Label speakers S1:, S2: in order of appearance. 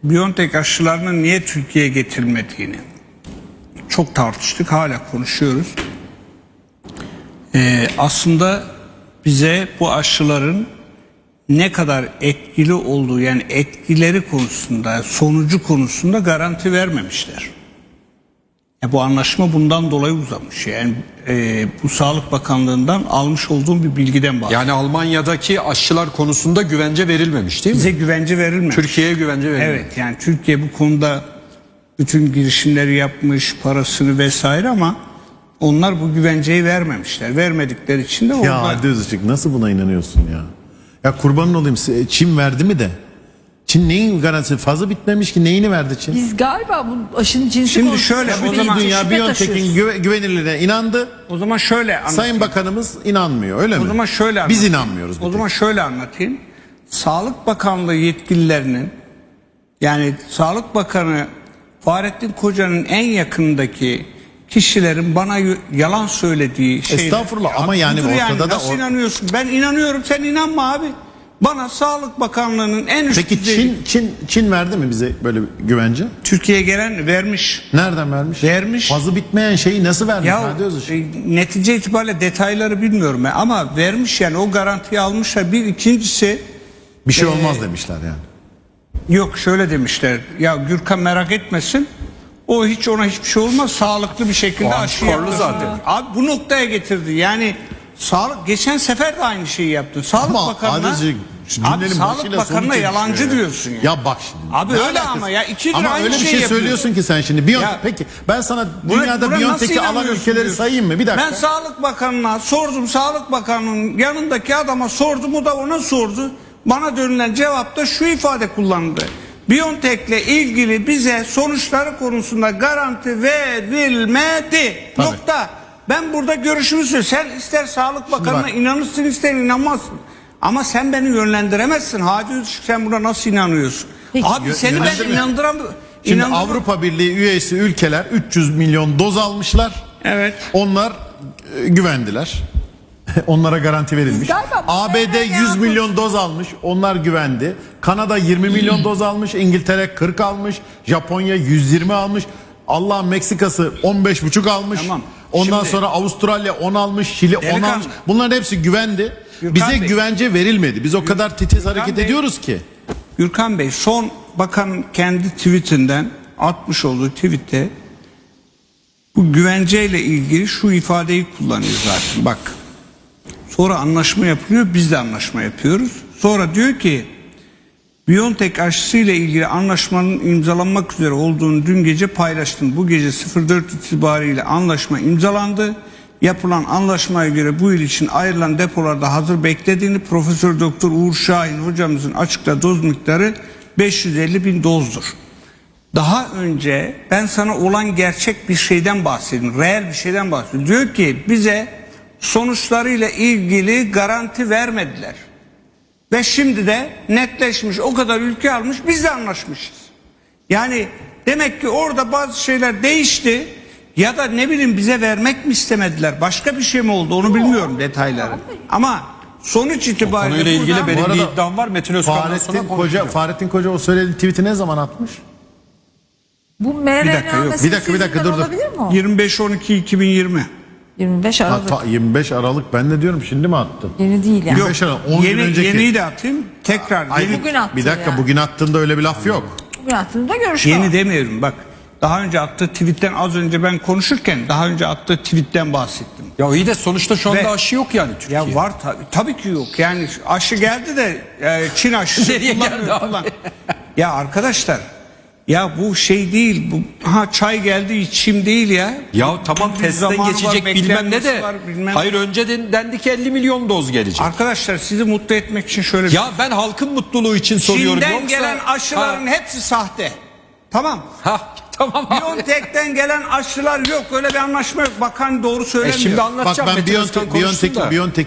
S1: BioNTech aşılarının niye Türkiye'ye getirilmediğini çok tartıştık, hala konuşuyoruz. Aslında bize bu aşıların ne kadar etkili olduğu, yani etkileri konusunda, sonucu konusunda garanti vermemişler. Bu anlaşma bundan dolayı uzamış. Yani bu Sağlık Bakanlığı'ndan almış olduğum bir bilgiden bahsediyorum.
S2: Yani Almanya'daki aşılar konusunda güvence verilmemiş değil mi?
S1: Bize güvence verilmemiş.
S2: Türkiye'ye güvence verilmemiş.
S1: Evet, yani Türkiye bu konuda bütün girişimleri yapmış, parasını vesaire, ama onlar bu güvenceyi vermemişler. Vermedikleri için de orada...
S3: Ya Hadi Özışık, nasıl buna inanıyorsun ya? Ya kurbanın olayım, Çin verdi mi de? Çin neyin garantisi? Fazla bitmemiş ki, neyini verdi Çin?
S4: Biz galiba bu aşının cinsi
S1: Şimdi
S4: konusunda
S1: şöyle, o
S4: şüphe
S1: zaman
S3: Dünya
S4: şüphe
S3: BioNTech'in
S4: taşıyoruz.
S3: güvenilirliğine inandı.
S1: O zaman şöyle anlatayım.
S3: Sayın Bakanımız inanmıyor, öyle mi?
S1: O zaman şöyle
S3: Biz
S1: anlatayım.
S3: inanmıyoruz.
S1: O zaman şöyle anlatayım. Sağlık Bakanlığı yetkililerinin, yani Sağlık Bakanı Fahrettin Koca'nın en yakındaki kişilerin bana yalan söylediği şeyler.
S3: Estağfurullah, ama yani
S1: budur
S3: ortada da
S1: nasıl inanıyorsun? Ben inanıyorum, sen inanma abi. Bana Sağlık Bakanlığı'nın en üst
S3: Peki
S1: düzey...
S3: Çin verdi mi bize böyle bir güvence?
S1: Türkiye'ye gelen vermiş.
S3: Nereden vermiş?
S1: Vermiş.
S3: Fazla bitmeyen şeyi nasıl vermiş?
S1: Ya
S3: Hadi Özışık.
S1: netice itibariyle detayları bilmiyorum ben, ama vermiş, yani o garantiyi almışlar. Bir ikincisi,
S3: Bir şey olmaz demişler yani.
S1: yok şöyle demişler. Ya Gürkan merak etmesin. O ona hiçbir şey olmaz. Sağlıklı bir şekilde
S2: O
S1: aşı
S2: antikorlu
S1: yaptı.
S2: zaten.
S1: Abi bu noktaya getirdi. Yani geçen sefer de aynı şeyi yaptı. Sağlık
S3: Ama
S1: Bakanı'na,
S3: Hadi Özışık, şu
S1: abi
S3: cümlenin
S1: Sağlık
S3: başıyla
S1: Bakanı'na
S3: sonu
S1: yalancı
S3: çelişiyor
S1: diyorsun ya.
S3: Ya bak şimdi.
S1: Abi
S3: ne
S1: öyle
S3: alakası?
S1: ama ya, iki gün
S3: Ama
S1: aynı
S3: öyle bir
S1: şeyi
S3: şey
S1: yapıyor.
S3: söylüyorsun ki sen şimdi.
S1: Ya,
S3: Peki ben sana
S1: Buna
S3: dünyada
S1: nasıl
S3: BioNTech'i alan
S1: inanmıyorsun
S3: ülkeleri
S1: diyorsun.
S3: sayayım mı? Bir dakika.
S1: Ben Sağlık Bakanı'na sordum. Sağlık Bakanı'nın yanındaki adama sordum. O da ona sordu. Bana dönülen cevapta şu ifade kullandı. BioNTech'le ilgili bize sonuçları konusunda garanti verilmedi.
S3: Tabii.
S1: Nokta. Ben burada görüşümü söylüyorum. Sen ister Sağlık Bakanı'na
S3: bak.
S1: inanırsın, ister inanmazsın. Ama sen beni yönlendiremezsin. Hadi Özışık, sen buna nasıl inanıyorsun?
S4: Peki,
S1: Abi seni ben
S3: yönlendirme.
S1: inandıramıyorum.
S3: Şimdi Avrupa Birliği üyesi ülkeler 300 milyon doz almışlar.
S1: Evet.
S3: Onlar güvendiler. Onlara garanti verilmiş.
S4: Biz galiba bu
S3: ABD
S4: nereden
S3: 100 milyon doz almış. Onlar güvendi. Kanada 20 milyon doz almış. İngiltere 40 almış. Japonya 120 almış. Allah, Meksika'sı 15,5 almış.
S1: Tamam.
S3: Ondan
S1: Şimdi-
S3: sonra Avustralya 10 almış. Şili 10
S1: Delikanlı.
S3: almış. Bunların hepsi güvendi.
S1: Gürkan
S3: Bize
S1: Bey.
S3: güvence verilmedi. Biz o kadar titiz hareket
S1: Bey.
S3: ediyoruz ki.
S1: Gürkan Bey, son bakanın kendi tweetinden atmış olduğu tweette bu güvenceyle ilgili şu ifadeyi kullanıyor zaten. Bak, sonra anlaşma yapılıyor, biz de anlaşma yapıyoruz. Sonra diyor ki BioNTech aşısı ile ilgili anlaşmanın imzalanmak üzere olduğunu dün gece paylaştım. Bu gece 04 itibariyle anlaşma imzalandı. Yapılan anlaşmaya göre bu yıl için ayrılan depolarda hazır beklediğini Profesör Doktor Uğur Şahin hocamızın açıkladığı doz miktarı 550.000 dozdur. Daha önce ben sana olan gerçek bir şeyden bahsedeyim. Reel bir şeyden bahsediyorum. Diyor ki bize sonuçlarıyla ilgili garanti vermediler. Ve şimdi de netleşmiş, o kadar ülke almış, biz de anlaşmışız. Yani demek ki orada bazı şeyler değişti. Ya da ne bileyim, bize vermek mi istemediler? Başka bir şey mi oldu? Onu bilmiyorum detayları. Ama sonuç itibariyle
S2: Konuyla ilgili
S1: buradan-
S2: benim
S3: Bu
S2: bir
S3: arada
S2: iddiam var. Metin Özkan'dan sonra
S3: Fahrettin Koca o söylediği tweet'i ne zaman atmış?
S4: Bu mRNA
S1: dakika, yok.
S3: Bir dakika, dur.
S4: olabilir mi o?
S1: 25-12-2020.
S4: 25 Aralık.
S3: 25 Aralık, ben de diyorum şimdi mi attı?
S4: Yeni değil yani.
S3: 25 Aralık, 10 gün önceki.
S1: Yeniyi de atayım. Tekrar.
S3: Ay,
S1: Yeni,
S4: Bugün attı
S3: bir dakika
S4: yani.
S3: bugün attığında öyle bir laf yok.
S4: Bugün hattında görüşme
S1: yeni
S4: var.
S1: demiyorum bak. Daha önce attığı tweetten, az önce ben konuşurken daha önce attığı tweetten bahsettim.
S2: Ya iyi de sonuçta şu anda
S1: Ve-
S2: aşı yok yani Türkiye.
S1: Ya var tabii ki yok. Yani aşı geldi de Çin aşısı
S2: Nereye
S1: kullanmıyor,
S2: geldi abi?
S1: kullan. Ya arkadaşlar, ya bu şey değil, bu çay geldi içim değil ya.
S2: Ya tamam,
S1: Bir
S2: testten
S1: zamanı
S2: geçecek
S1: var,
S2: bilmem ne de.
S1: beklenmesi var, bilmem-
S2: Hayır, önceden dendi ki 50 milyon doz gelecek.
S1: Arkadaşlar, sizi mutlu etmek için şöyle bir
S2: Ya ben halkın mutluluğu için soruyorum.
S1: Çin'den
S2: Yoksa...
S1: gelen aşıların hepsi sahte. Tamam.
S2: Tamam abi.
S1: BioNTech'ten gelen aşılar yok. Öyle bir anlaşma yok. Bakan doğru söylemiyor.
S2: Şimdi
S3: Bak
S2: anlatacağım.
S3: ben
S2: Metin Özkan konuşsun da.
S3: BioNTech